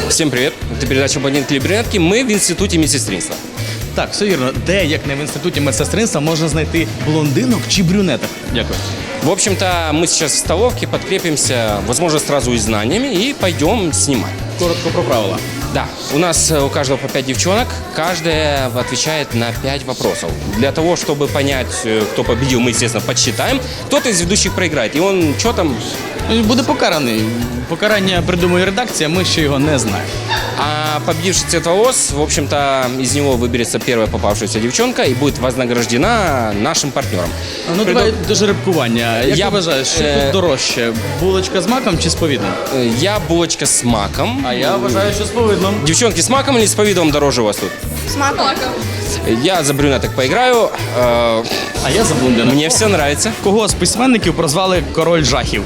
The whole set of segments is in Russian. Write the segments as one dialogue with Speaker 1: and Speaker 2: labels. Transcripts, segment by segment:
Speaker 1: Всем привет. Это передача «Блондинки или брюнетки». Мы в Институте медсестринства.
Speaker 2: Так, все вірно. Де, як не в інституті медсестринства, можна знайти блондинок чи брюнеток? Дякую.
Speaker 1: В общем-то, мы сейчас в столовке подкрепимся, возможно, сразу и знаниями, и пойдем снимать.
Speaker 2: Коротко про правила.
Speaker 1: Да, у нас у каждого по 5 девчонок, каждая отвечает на 5 вопросов. Для того, чтобы понять, кто победил, мы, естественно, подсчитаем. Кто-то из ведущих проиграет, и он что там...
Speaker 2: Буде покараний. Покарання придумує редакція, ми ще його не знаємо.
Speaker 1: А победивший цвет волос, в общем-то, из него выберется первая попавшаяся девчонка и будет вознаграждена нашим партнером.
Speaker 2: Ну, давай до жеребкування. Як
Speaker 1: Я-
Speaker 2: ти вважаєш, що тут дорожче? Булочка з маком чи з повідлом?
Speaker 1: Я булочка с маком.
Speaker 2: А я вважаю, що з повидлом.
Speaker 1: Девчонки, с маком или с повидлом дороже у вас тут?
Speaker 3: С маком.
Speaker 1: Я за брюнеток поиграю.
Speaker 2: А я за блондинок.
Speaker 1: Мне все нравится.
Speaker 2: Кого з письменників прозвали король жахів?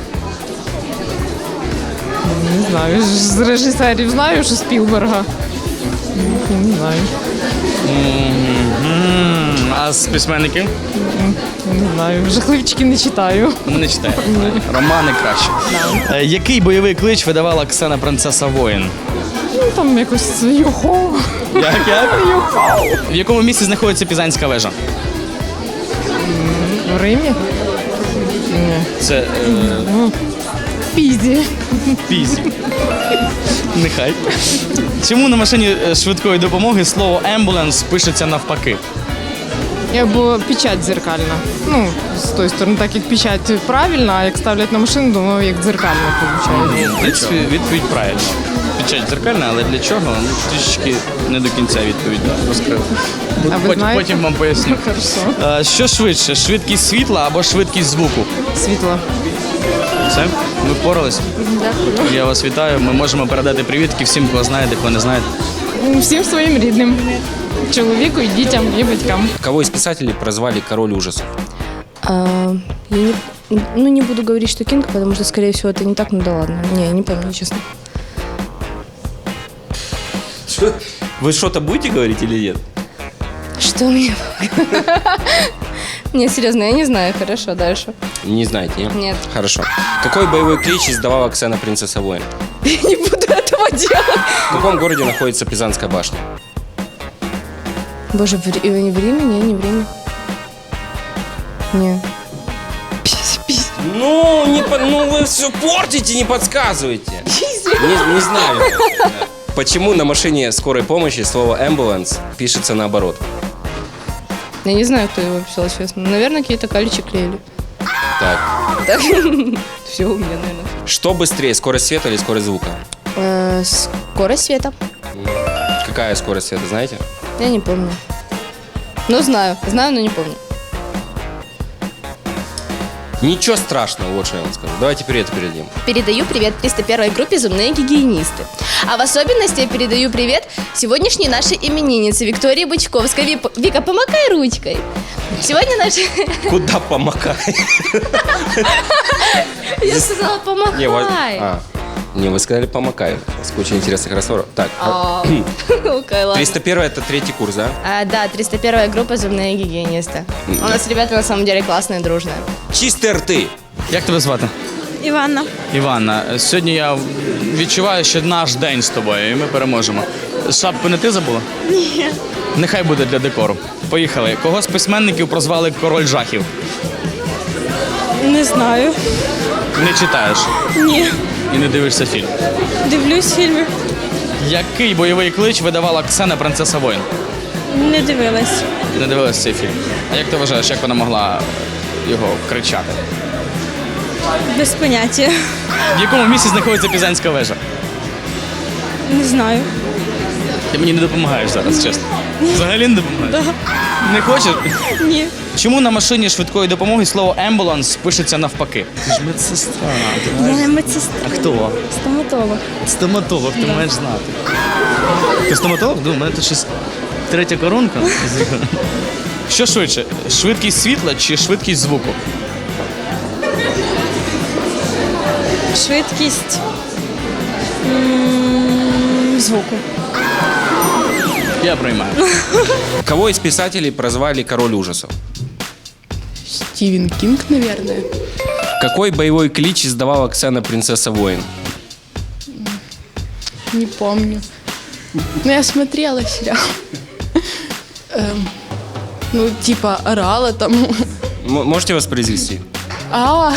Speaker 4: Не знаю, з режисерів знаю, що Спілберга. Не знаю.
Speaker 2: А з письменників?
Speaker 4: Не знаю. Жахливчики не читаю.
Speaker 2: Не читаю. Романи краще. Який бойовий клич видавала Ксена принцеса воїн?
Speaker 4: Ну, там якось його.
Speaker 2: Як? В якому місці знаходиться Пізанська вежа?
Speaker 4: В Римі? Ні.
Speaker 2: Це
Speaker 4: В Пізі.
Speaker 2: Пізі. Нехай. Чому на машині швидкої допомоги слово «ембуленс» пишеться навпаки?
Speaker 4: Або печать дзеркальна. Ну, з тої сторони, так як печать правильна, а як ставлять на машину, думаю, як дзеркальна виходить.
Speaker 2: В принципі, відповідь правильна. Печать дзеркальна, але для чого? Ну, трішечки не до кінця відповідь розкрив.
Speaker 4: А ви знаєте?
Speaker 2: Потім вам поясню.
Speaker 4: Хорошо.
Speaker 2: Що швидше, швидкість світла або швидкість звуку?
Speaker 4: Світло.
Speaker 2: Все? Ми впорались?
Speaker 4: Дякую.
Speaker 2: Я вас вітаю. Ми можемо передати привітки всім, кого знаєте, кого не знаєте.
Speaker 4: Всім своїм рідним. Чоловіку, і дітям, і батькам.
Speaker 1: Кого из писателей прозвали король ужасов?
Speaker 3: Я не буду говорить, что Кинг, потому что, скорее всего, это не так, ну да ладно. Не, я не помню, честно.
Speaker 1: Вы что-то будете говорить или нет?
Speaker 3: Что мне? Не, серьезно, я не знаю. Хорошо, дальше.
Speaker 1: Не знаете, нет?
Speaker 3: Нет.
Speaker 1: Хорошо. Какой боевой клич издавала Ксена принцесса воин?
Speaker 3: Я не буду этого делать.
Speaker 1: В каком городе находится Пизанская башня?
Speaker 3: Боже, не в Риме? Не в Риме. Не.
Speaker 1: Ну, вы все портите, не подсказывайте. Не знаю. Почему на машине скорой помощи слово «ambulance» пишется наоборот?
Speaker 3: Я не знаю, кто его писал, честно. Наверное, какие-то каличи клеили.
Speaker 1: Так.
Speaker 3: Все у меня, наверное.
Speaker 1: Что быстрее, скорость света или скорость звука?
Speaker 3: Скорость света.
Speaker 1: Какая скорость света, знаете?
Speaker 3: Я не помню. Ну, знаю, но не помню.
Speaker 1: Ничего страшного, вот что я вам скажу. Давайте привет передадим.
Speaker 5: Передаю привет 301 группе «Зубные гигиенисты». А в особенности я передаю привет сегодняшней нашей имениннице Виктории Бычковской. Вика, помакай ручкой. Сегодня наша...
Speaker 1: Куда помакай?
Speaker 5: Я сказала, помакай.
Speaker 1: Не, вы сказали помакай. С кучей интересных разговоров. Так,
Speaker 5: Окей, ладно.
Speaker 1: 301 это третий курс, да?
Speaker 5: Да, 301 группа «Зубные гигиенисты». У нас ребята на самом деле классные, дружные.
Speaker 1: Чистые рты.
Speaker 2: Як тебе звати?
Speaker 6: Іванна.
Speaker 2: Іванна, сьогодні я відчуваю, що наш день з тобою, і ми переможемо. Шапку не ти забула?
Speaker 6: Ні.
Speaker 2: Нехай буде для декору. Поїхали. Кого з письменників прозвали король жахів?
Speaker 6: Не знаю.
Speaker 2: Не читаєш
Speaker 6: Ні.
Speaker 2: і не дивишся фільм.
Speaker 6: Дивлюсь фільми.
Speaker 2: Який бойовий клич видавала Ксена принцеса воїн?
Speaker 6: Не дивилась.
Speaker 2: Не дивилась цей фільм. А як ти вважаєш, як вона могла його кричати?
Speaker 6: Без поняття.
Speaker 2: В якому місці знаходиться Пізанська вежа?
Speaker 6: Не знаю.
Speaker 2: Ти мені не допомагаєш зараз, чесно. Взагалі не допомагаєш? Не хочеш?
Speaker 6: Ні.
Speaker 2: Чому на машині швидкої допомоги слово «ембуланс» пишеться навпаки? Ти ж медсестра.
Speaker 6: Я не медсестра.
Speaker 2: А хто?
Speaker 6: Стоматолог.
Speaker 2: Стоматолог, ти маєш знати. Ти стоматолог? У мене тут щось третя коронка. Що швидше? Швидкість світла чи швидкість звуку?
Speaker 6: Швидкість звуку.
Speaker 2: Я приймаю.
Speaker 1: Кого из писателей прозвали король ужасов?
Speaker 7: Стивен Кинг, наверное.
Speaker 1: Какой боевой клич издавала Ксена принцесса воин?
Speaker 7: Не помню. Но я смотрела сериал. Ну, типа, орала там.
Speaker 1: Можете воспроизвести?
Speaker 7: Ну,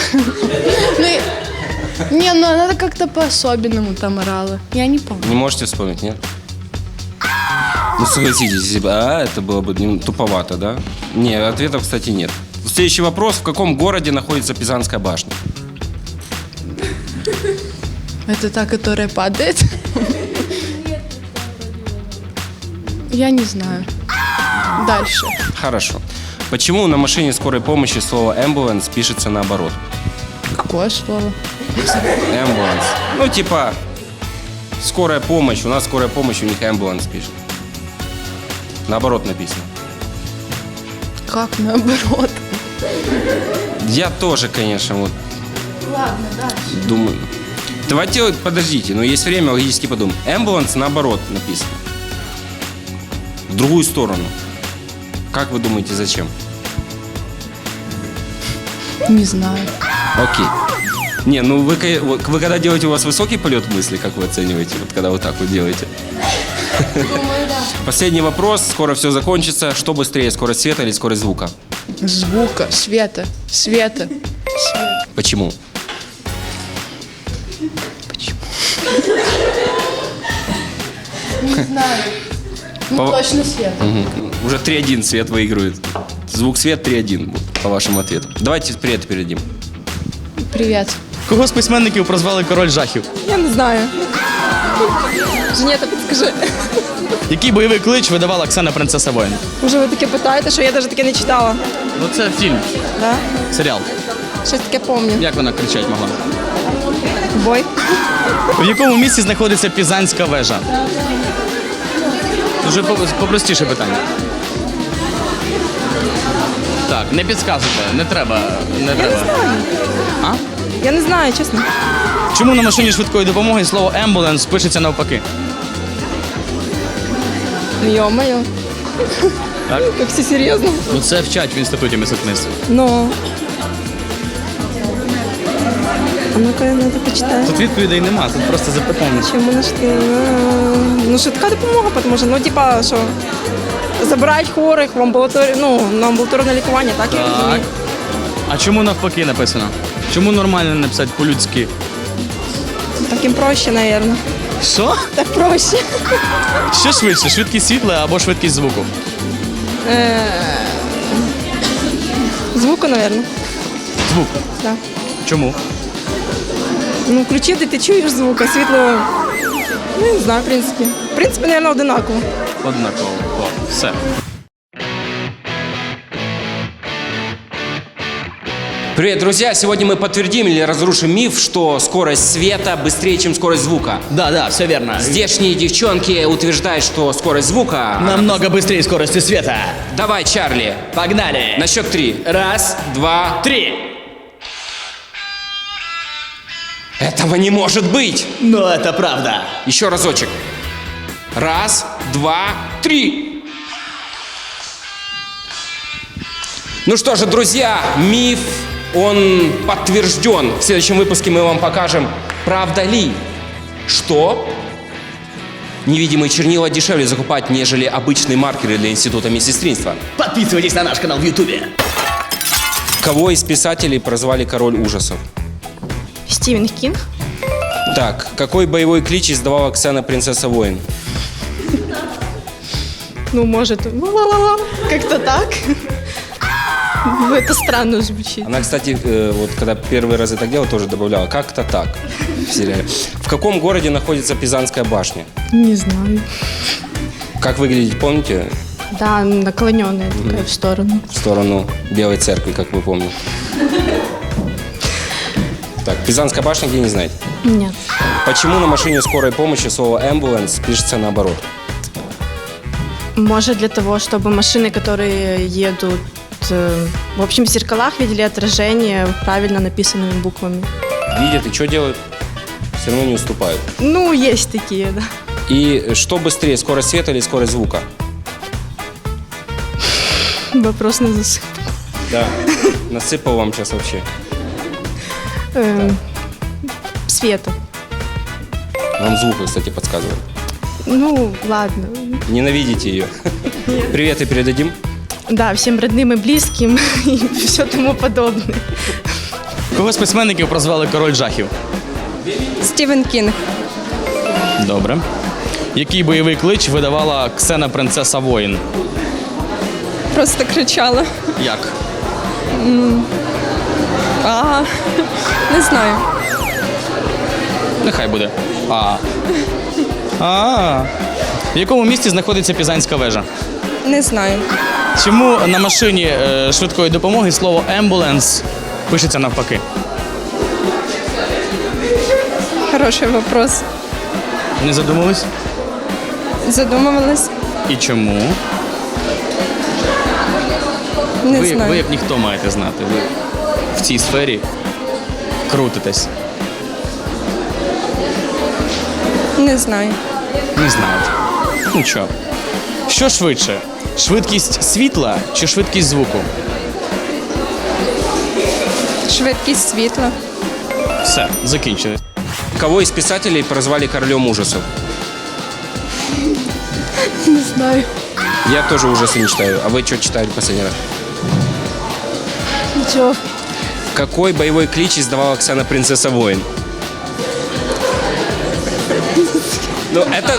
Speaker 7: не, ну она как-то по-особенному там орала. Я не помню.
Speaker 1: Не можете вспомнить, нет? Ну, согласитесь, если бы это было бы туповато, да? Не, ответов, кстати, нет. Следующий вопрос. В каком городе находится Пизанская башня?
Speaker 7: Это та, которая падает? Я не знаю. Дальше.
Speaker 1: Хорошо. Почему на машине скорой помощи слово «ambulance» пишется наоборот?
Speaker 7: Какое слово?
Speaker 1: Ambulance. Ну, типа, скорая помощь. У нас скорая помощь, у них ambulance пишет. Наоборот написано.
Speaker 7: Как наоборот?
Speaker 1: Я тоже, конечно, вот. Ладно, дальше. Думаю. Давайте, вот, подождите, но есть время логически подумать. Ambulance наоборот написано. В другую сторону. Как вы думаете, зачем?
Speaker 7: Не знаю.
Speaker 1: Окей. Не, ну вы когда делаете, у вас высокий полет мысли, как вы оцениваете, вот когда вот так вот делаете?
Speaker 7: Думаю, да.
Speaker 1: Последний вопрос, скоро все закончится. Что быстрее, скорость света или скорость звука?
Speaker 7: Звука, света.
Speaker 1: Почему?
Speaker 7: Не знаю. Ну, точно свет.
Speaker 1: Уже 3-1 свет выигрывает. Звук, свет 3-1 по вашему ответу. Давайте привет передадим.
Speaker 7: Привет.
Speaker 2: Кого з письменників прозвали король жахів?
Speaker 3: Я не знаю. Женета, підскажи.
Speaker 2: Який бойовий клич видавала Оксана Принцеса Воїн?
Speaker 3: Уже ви таке питаєте, що я навіть таке не читала.
Speaker 2: Ну це фільм,
Speaker 3: Да?
Speaker 2: серіал.
Speaker 3: Щось таке пам'ятаю.
Speaker 2: Як вона кричать могла?
Speaker 3: Бой.
Speaker 2: В якому місці знаходиться Пізанська вежа? Дуже попростіше питання. Так, не підказуйте, не треба. А?
Speaker 3: Я не знаю, чесно.
Speaker 2: Чому на машині швидкої допомоги слово «ambulance» пишеться навпаки?
Speaker 3: Йо-моє.
Speaker 2: Так?
Speaker 3: Як все серйозно.
Speaker 2: Ну це вчать в інституті мистецтв.
Speaker 3: Ну. А ну-ка, я надо почитаю.
Speaker 2: Тут відповідей нема, тут просто запитання.
Speaker 3: Чому на швидкі? Ну, швидка допомога, тому що, ну, типа, що, забирають хворих в амбулаторію, ну, на амбулаторне лікування, так я
Speaker 2: Так.
Speaker 3: розумію.
Speaker 2: А чому навпаки написано? Чому нормально не написати по-людськи?
Speaker 3: Так їм проще, мабуть.
Speaker 2: Що?
Speaker 3: Так проще.
Speaker 2: Що швидше, швидкість світла або швидкість звуку?
Speaker 3: Звуку, мабуть.
Speaker 2: Звук.
Speaker 3: Да.
Speaker 2: Чому?
Speaker 3: Ну, включив, ти чуєш звук, а світло, ну, не знаю, в принципі. В принципі, мабуть, одинаково.
Speaker 2: Однаково. О, все.
Speaker 1: Привет, друзья! Сегодня мы подтвердим или разрушим миф, что скорость света быстрее, чем скорость звука.
Speaker 2: Да, все верно.
Speaker 1: Здешние девчонки утверждают, что скорость звука...
Speaker 2: Намного быстрее скорости света.
Speaker 1: Давай, Чарли,
Speaker 2: Погнали.
Speaker 1: на счет 3. 1, 2,
Speaker 2: 3.
Speaker 1: Этого не может быть!
Speaker 2: Но это правда.
Speaker 1: Еще разочек. 1, 2, 3. Ну что же, друзья, миф, он подтвержден. В следующем выпуске мы вам покажем, правда ли, что невидимые чернила дешевле закупать, нежели обычные маркеры для института медсестринства.
Speaker 2: Подписывайтесь на наш канал в Ютубе.
Speaker 1: Кого из писателей прозвали король ужасов?
Speaker 3: Стівен Кінг.
Speaker 1: Так, какой боевой клич издавала Оксана Принцесса Воин?
Speaker 3: Ну, может, как-то так. Ну, это странно звучит.
Speaker 1: Она, кстати, вот когда первый раз это делала, тоже добавляла «как-то так» в сериале. В каком городе находится Пизанская башня?
Speaker 3: Не знаю.
Speaker 1: Как выглядит, помните?
Speaker 3: Да, наклоненная такая в сторону.
Speaker 1: В сторону Белой церкви, как вы помните. Так, Пизанская башня, где не знаете?
Speaker 3: Нет.
Speaker 1: Почему на машине скорой помощи слово «ambulance» пишется наоборот?
Speaker 3: Может, для того, чтобы машины, которые едут, в общем, в зеркалах видели отражение правильно написанными буквами.
Speaker 1: Видят и что делают? Все равно не уступают.
Speaker 3: Ну, есть такие, да.
Speaker 1: И что быстрее, скорость света или скорость звука?
Speaker 3: Вопрос на засып.
Speaker 1: Да, насыпал вам сейчас вообще.
Speaker 3: Света.
Speaker 1: Вам звук, кстати, подсказывает.
Speaker 7: Ну, ладно.
Speaker 1: Ненавидите ее. Приветы передадим.
Speaker 7: Да, всем родным и близким и все тому подобное.
Speaker 2: Кого з письменників прозвали король жахів?
Speaker 3: Стівен Кінг.
Speaker 2: Добре. Який бойовий клич видавала Ксена принцеса воїн?
Speaker 3: Просто кричала.
Speaker 2: Як?
Speaker 3: Не знаю.
Speaker 2: Нехай буде. В якому місті знаходиться Пізанська вежа?
Speaker 3: Не знаю.
Speaker 2: Чому на машині швидкої допомоги слово «ембуленс» пишеться навпаки?
Speaker 3: Хороший вопрос.
Speaker 2: Не задумались?
Speaker 3: Задумувалась.
Speaker 2: І чому?
Speaker 3: Не
Speaker 2: Ви
Speaker 3: знаю.
Speaker 2: як ніхто маєте знати. Ви в цій сфері крутитесь.
Speaker 3: Не знаю.
Speaker 2: Не знаєте. Нічого. Що швидше? Швидкість світла чи швидкість звуку?
Speaker 3: Швидкість світла.
Speaker 2: Все, закінчили.
Speaker 1: Кого из писателей прозвали королем ужасов?
Speaker 7: Не знаю.
Speaker 1: Я тоже ужасы не читаю. А вы что читали последний раз?
Speaker 7: Ничего.
Speaker 1: Какой боевой клич издавала Оксана принцесса воин? Ну,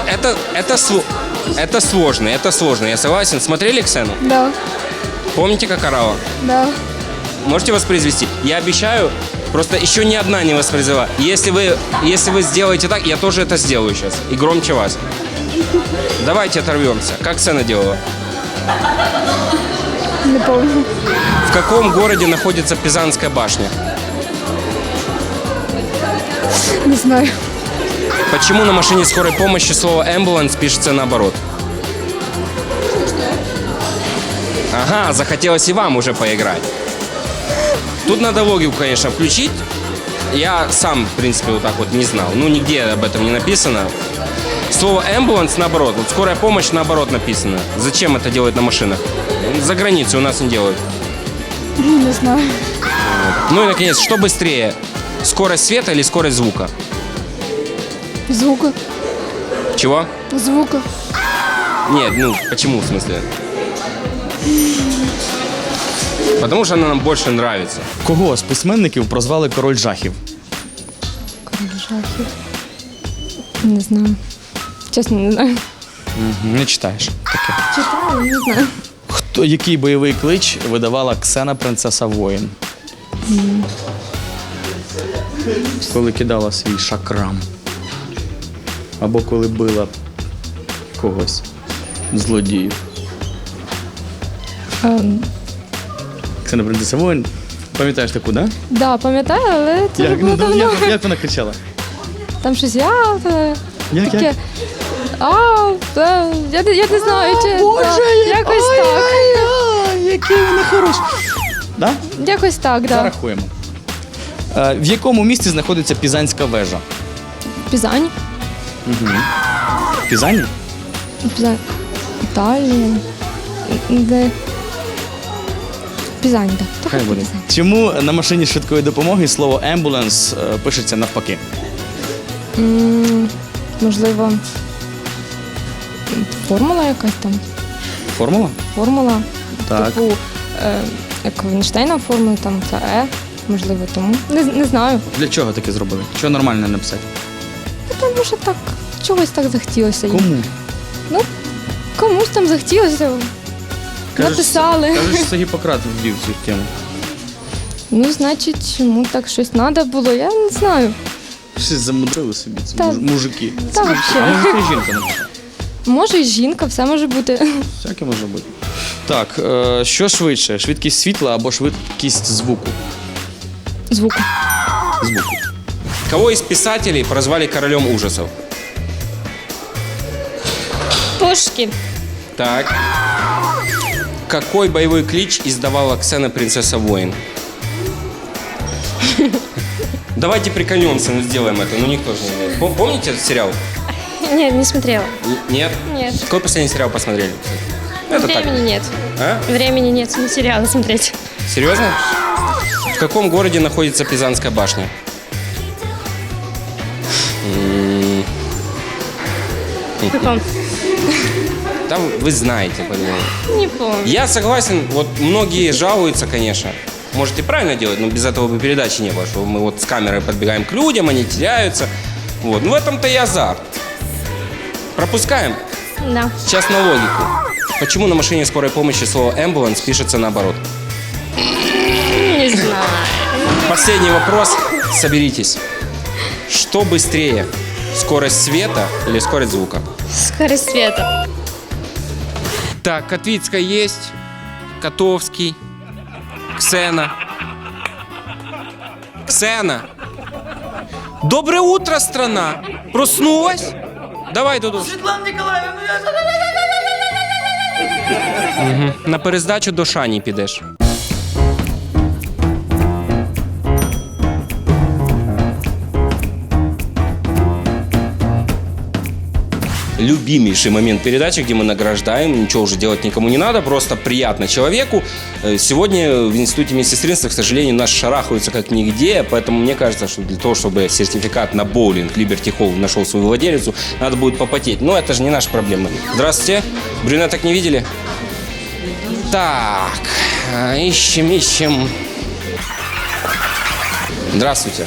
Speaker 1: это сложно, я согласен. Смотрели Ксену?
Speaker 7: Да,
Speaker 1: Помните, как орала?
Speaker 7: да.
Speaker 1: Можете воспроизвести? Я обещаю, просто еще ни одна не воспроизвела. Если вы сделаете так, я тоже это сделаю сейчас. И громче вас. Давайте оторвемся. Как Ксена делала?
Speaker 7: Не помню.
Speaker 1: В каком городе находится Пизанская башня?
Speaker 7: Не знаю.
Speaker 1: Почему на машине скорой помощи слово «ambulance» пишется наоборот? Ага, захотелось и вам уже поиграть. Тут надо логику, конечно, включить. Я сам, в принципе, вот так вот не знал. Ну, нигде об этом не написано. Слово «ambulance» наоборот. Вот скорая помощь наоборот написано. Зачем это делать на машинах? За границей у нас не делают.
Speaker 7: Не знаю.
Speaker 1: Ну и, наконец, что быстрее? Скорость света или скорость звука?
Speaker 7: Звука.
Speaker 1: Чего?
Speaker 7: Звука.
Speaker 1: Нет, ну, почему, в смысле? Потому что она нам больше нравится.
Speaker 2: Кого з письменників прозвали король жахів?
Speaker 6: Король жахів. Не знаю. Чесно, не знаю.
Speaker 2: Не читаєш таке.
Speaker 6: Читаю, не знаю.
Speaker 2: Який бойовий клич видавала Ксена принцеса воїн? Коли кидала свій шакрам. Або коли била когось. Злодіїв. Ксена принцеса воїн. Пам'ятаєш таку, да?
Speaker 6: Да, пам'ятаю, але це вже було давно.
Speaker 2: Як вона кричала?
Speaker 6: Там щось
Speaker 2: Як?
Speaker 6: таке. Я не знаю, чи якось так.
Speaker 2: Який вона хороший. Да?
Speaker 6: Якось так, да.
Speaker 2: Зарахуємо. В якому місті знаходиться Пізанська вежа?
Speaker 6: Пізань.
Speaker 2: В Пізані?
Speaker 6: Пізань. Італія. Де? Пізань, так.
Speaker 2: Хай буде. Чому на машині швидкої допомоги слово «ембуленс» пишеться навпаки?
Speaker 6: Можливо, формула якась там.
Speaker 2: Формула?
Speaker 6: Формула.
Speaker 2: Так.
Speaker 6: Типу, як в Ейнштейна формула, там це можливо, тому. Не знаю.
Speaker 2: Для чого таке зробили? Чого нормально написати?
Speaker 6: Тому що так, чогось так захотілося. їм.
Speaker 2: Кому?
Speaker 6: Ну, комусь там захотілося. Написали.
Speaker 2: Кажеш, що це Гіппократ ввів цю тему.
Speaker 6: Ну, значить, йому так щось треба було, я не знаю.
Speaker 2: Щось замудрили собі, це
Speaker 6: Та-
Speaker 2: мужики.
Speaker 6: та
Speaker 2: А
Speaker 6: вообще.
Speaker 2: може це жінка написала?
Speaker 6: Може, і жінка, все може бути.
Speaker 2: Всяке може бути. Так, що швидше? Швидкість світла або швидкість звуку?
Speaker 6: Звук.
Speaker 2: Звуку.
Speaker 1: Кого из писателей прозвали королем ужасов?
Speaker 6: Пушкін.
Speaker 1: Так. Какой боевой клич издавала Ксена принцесса воин? Давайте прикольнемся, ну сделаем это. Ну никто же не знает. Помните этот сериал?
Speaker 6: Нет, не смотрела.
Speaker 1: Нет?
Speaker 6: Нет.
Speaker 1: Какой последний сериал посмотрели? Это так.
Speaker 6: Времени нет.
Speaker 1: А?
Speaker 6: Времени нет, не сериалы смотреть.
Speaker 1: Серьезно? В каком городе находится Пизанская башня? Там вы знаете, по-моему.
Speaker 6: Не помню.
Speaker 1: Я согласен, вот многие жалуются, конечно. Может и правильно делать, но без этого бы передачи не было, что мы вот с камерой подбегаем к людям, они теряются. Вот, ну в этом-то и азарт. Пропускаем?
Speaker 6: Да.
Speaker 1: Сейчас на логику. Почему на машине скорой помощи слово «ambulance» пишется наоборот?
Speaker 6: Не знаю.
Speaker 1: Последний вопрос. Соберитесь. Что быстрее? Скорость света или скорость звука?
Speaker 6: Скорость света.
Speaker 1: Так, Котвицкая есть. Котовский. Ксена. Ксена. Доброе утро, страна. Проснулась? Давай, Дуду. Светлана Николаевна. На перездачу до Шані підеш. Любимейший момент передачи, где мы награждаем, ничего уже делать никому не надо, просто приятно человеку. Сегодня в Институте медсестринства, к сожалению, нас шарахаются как нигде, поэтому мне кажется, что для того, чтобы сертификат на боулинг Liberty Hall нашел свою владелицу, надо будет попотеть. Но это же не наша проблема. Здравствуйте. Брюнеток не видели? Так, ищем. Здравствуйте.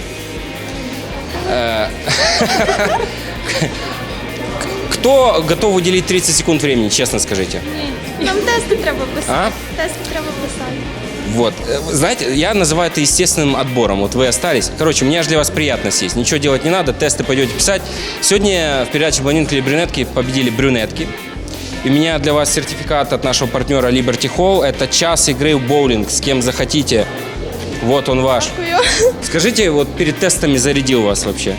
Speaker 1: Кто готов уделить 30 секунд времени, честно скажите?
Speaker 6: Нам тести треба писати.
Speaker 1: А?
Speaker 6: Тести треба писати.
Speaker 1: Вот. Знаете, я называю это естественным отбором. Вот вы остались. Короче, мне аж для вас приятно сесть. Ничего делать не надо, тесты пойдете писать. Сегодня в передаче «Блондинки или брюнетки» победили брюнетки. И у меня для вас сертификат от нашего партнера Liberty Hall. Это час игры в боулинг с кем захотите. Вот он ваш. Скажите, вот перед тестами зарядил вас вообще?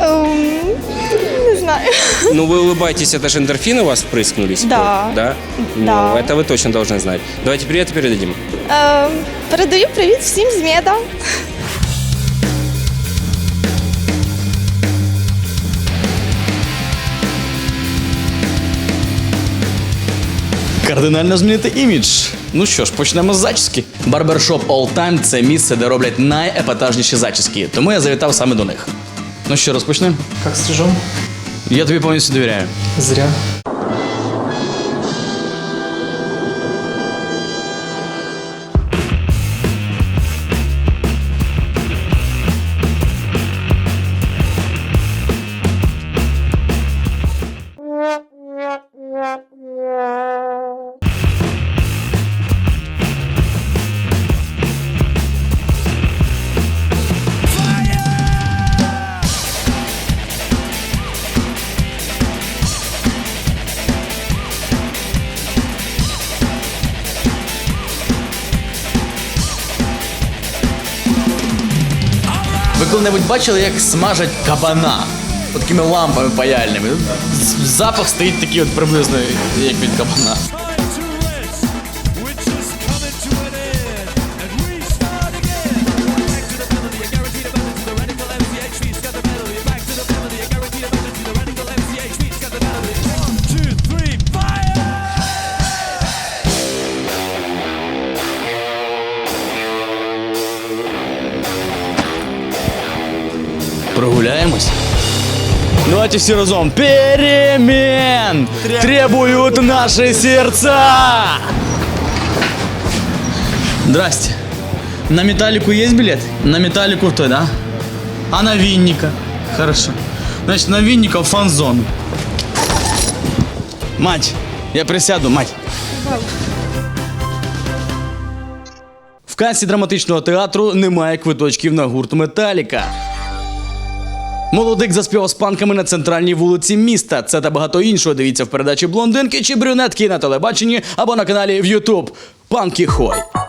Speaker 3: Не знаю.
Speaker 1: Ну, вы улыбаетесь, это же эндорфины у вас впрыскнулись?
Speaker 3: Да.
Speaker 1: Да? Ну,
Speaker 3: Да.
Speaker 1: это вы точно должны знать. Давайте привет передадим.
Speaker 3: Передаю привіт всім з меда.
Speaker 2: Кардинально змінити імідж. Ну що ж, почнемо з зачіски. Барбершоп All Time – це місце, де роблять найепатажніші зачіски, тому я завітав саме до них. Ну що, розпочнемо?
Speaker 8: Как стрижем?
Speaker 2: Я тобі повністю довіряю.
Speaker 8: Зря.
Speaker 2: Ви коли-небудь бачили, як смажать кабана? От такими лампами паяльними. Запах стоїть такий от приблизно, як від кабана. Прогуляемся? Давайте все разом. Перемен требуют наши сердца. Здрасте. На Металлику есть билет? На Металлику той, да? А на Винника? Хорошо. Значит, на Винника в фан-зону. Мать, я присяду, мать. В касі драматичного театру немає квиточків на гурт Металіка. Молодик заспівав з панками на центральній вулиці міста. Це та багато іншого дивіться в передачі «Блондинки чи брюнетки» на телебаченні або на каналі в YouTube. Панки Хой.